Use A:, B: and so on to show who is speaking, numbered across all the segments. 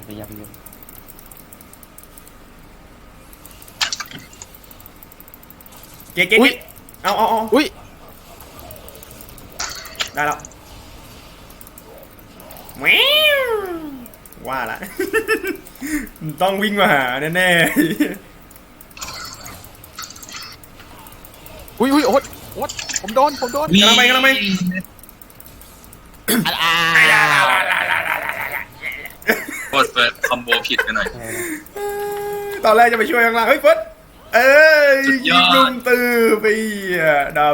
A: ไปยับเยอะ
B: เก๊กเอา
C: อุ้ย
B: ได้แล้วแมวว่าละ ต้องวิ่งมาหาแน่
C: อุ้ยโอ๊ตผมโดน
B: ๆกำลังไป
D: โคตรเฟิร์สคอมโบผิดไปหน่อย
B: ตอนแรกจะไปช่วยข้างล่างเฮ้ยเฟิร์ส
D: สุดย
B: ยิ
D: อด
B: งลุมตือไปดับ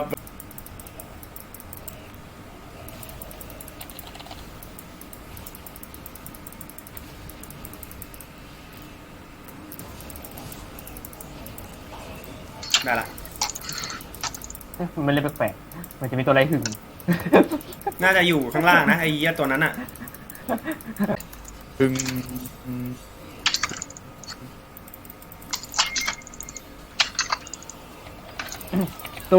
B: ได้ละ
A: มันเล่นแปลกๆมันจะมีตัวอะไรหึง
B: น่าจะอยู่ข้างล่างนะไอ้เหี้ยตัวนั้นอ่ะ
C: ดึง
A: ตู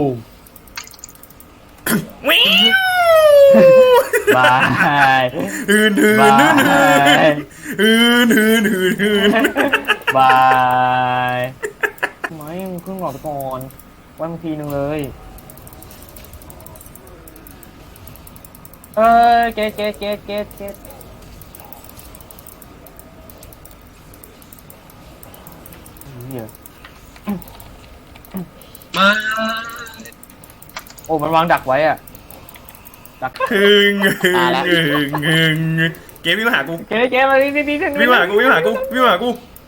B: วิว
A: บาย
B: ฮืน
A: บาย บายไม่มึงเพิ่งหลอดก่อนไว้บางทีนึงเลยเกตเหี้ย
D: มา
A: โอ้มันวางดักไว้อะดัก
B: ฮึงเกมวิ่งมาหากู
A: เกตมาดิ
B: วิ่งมาหากู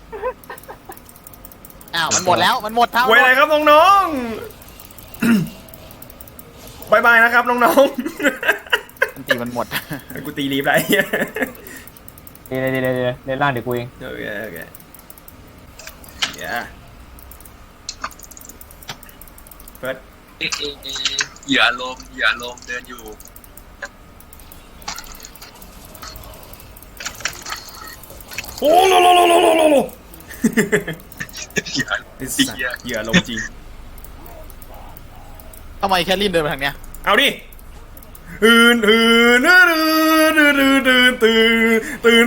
C: อ้าวมันหมดแล้วมันหมดเท่า
B: ไว้อะไรครับน้องๆบายบายนะครับน้อง
C: มันตีมันหมด
B: ๆกูตีรีบไร
A: เดี๋ยวเล่นล่างเดี๋ยวกูเอง
B: โอเคเฟิร์ส
D: เหยื่อลมเดินอยู่
B: โอ้โลเหยื่อลงจริง
C: ทำไมแคลรินเดินมาทางเนี้ย
B: เอาดิตื่น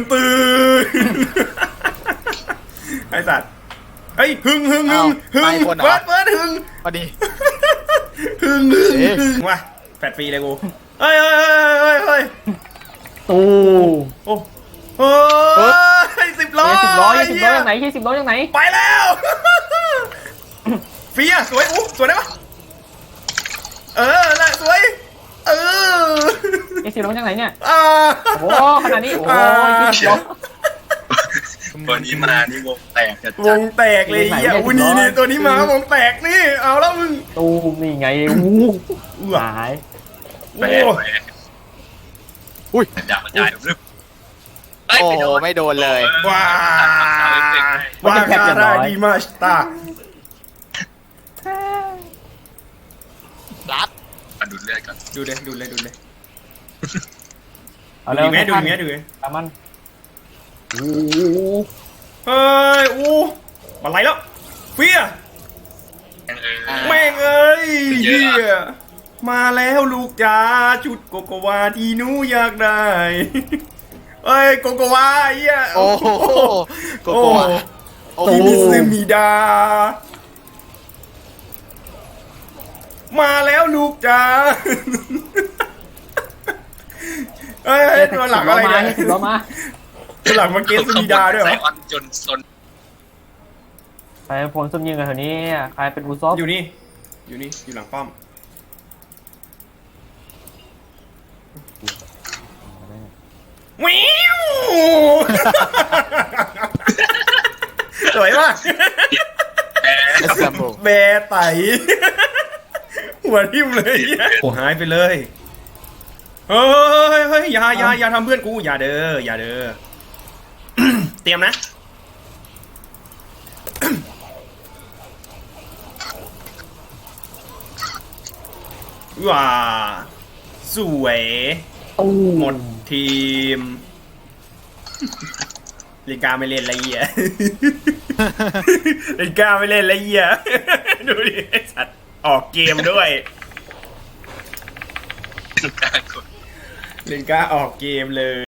B: ไอสัตว์เฮ้ยหึงเฟิร์สหึง
C: พอดี
B: หึงว่ะแฟดฟรีเลยกูเฮ้ย
A: ตู
B: โอ้10 ล้อ
A: 10 ล้อจากไหน10 ล้อจากไหน
B: ไปแล้วฟรีอ่ะสวยสวยได้ปะน่ะสวย
A: 10 ล้อจากไหนเนี่ย
B: โอ้
A: โอ้ขนาดนี้โอ้20 ล้อ
D: ตัวนี้มานี่วงแตกจัด
B: วงแตกเลยอ่ะนี่ตัวนี้มาวงแตกนี่เอาแล้วมึง
A: ตูมนี่ไงหาย
D: แตกอุ้ยดาวกระจายรึ
C: โอ้โหไม่โดนเลย
B: ว้าได้ดีมากตา
C: รัด
D: มาดูดเลือดก่อน
B: ดูเลย
A: เอาแล้ว
B: ดูอย่างเงี้ย
A: ตามมันโอ้
B: เฮ้ยอะไรแล้วเฟียแม่งเอ้ยเฮียมาแล้วลูกจ๋าชุดโกโกวาที่หนูอยากได้เอ้ยโกโกวาเฮีย
C: โอ้โหโกโก้
B: ที่มิซึมิดามาแล้วลูกจ๋าเอ้ยตัวหลังอะไรเนี่ย
A: 10 ล้อมา
B: ตัวหลังมาเกสมิดาด้วยเหรอ
D: จนซน
A: ใครผลสมยิงกันแถวนี้ใครเป็นอูซอฟ
B: อยู่นี่อยู่หลังป้อมวิวสวยมาก แบร์ไตหัวทิ่มเลยโอ้หายไปเลยเฮ้ยอย่าทำเพื่อนกูอย่าเด้อเตรียมนะว้าสวยหมดทีมลิกาไม่เล่นละเอียลิกาไม่เล่นละเอียดูดิไอ้สัตว์ออกเกมด้วยลิกาออกเกมเลย